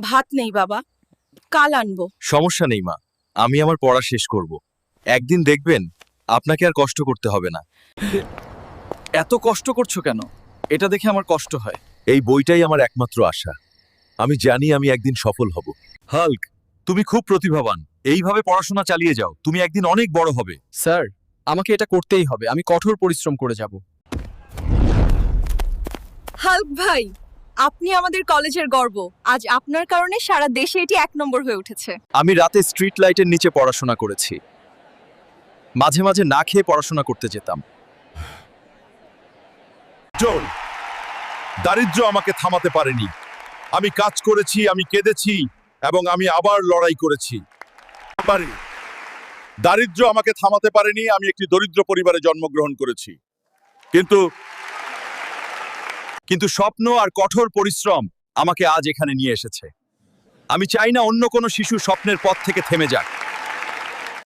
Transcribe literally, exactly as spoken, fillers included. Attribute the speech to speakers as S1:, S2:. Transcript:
S1: ভাত নেই বাবা, কাল আনবো।
S2: সমস্যা নেই মা, আমি আমার পড়া শেষ করব। একদিন দেখবেন আপনাকে আর কষ্ট করতে হবে না।
S3: এত কষ্ট করছো কেন? এটা দেখে আমার কষ্ট হয়।
S2: এই বইটাই আমার একমাত্র আশা। আমি জানি আমি একদিন সফল হব। হাল্ক, তুমি খুব প্রতিভাবান। এইভাবে পড়াশোনা চালিয়ে যাও, তুমি একদিন অনেক বড় হবে।
S3: স্যার, আমাকে এটা করতেই হবে। আমি কঠোর পরিশ্রম করে যাব।
S1: হাল্ক ভাই, আপনি আমাদের কলেজের গর্ব। আজ আপনার কারণে সারা দেশে এটি এক নম্বর হয়ে উঠেছে।
S2: আমি রাতে স্ট্রিট লাইটের নিচে পড়াশোনা করেছি। মাঝে মাঝে না খেয়ে পড়াশোনা করতে যেতাম।
S4: জোল, দারিদ্র্য আমাকে থামাতে পারেনি। আমি কাজ করেছি, আমি কেঁদেছি এবং আমি আবার লড়াই করেছি। পারি দারিদ্র্য আমাকে থামাতে পারেনি। আমি একটি দরিদ্র পরিবারে জন্মগ্রহণ করেছি, কিন্তু
S2: কিন্তু স্বপ্ন আর কঠোর পরিশ্রম আমাকে আজ এখানে নিয়ে এসেছে। আমি চাই না অন্য কোনো শিশু স্বপ্নের পথ থেকে থেমে যাক।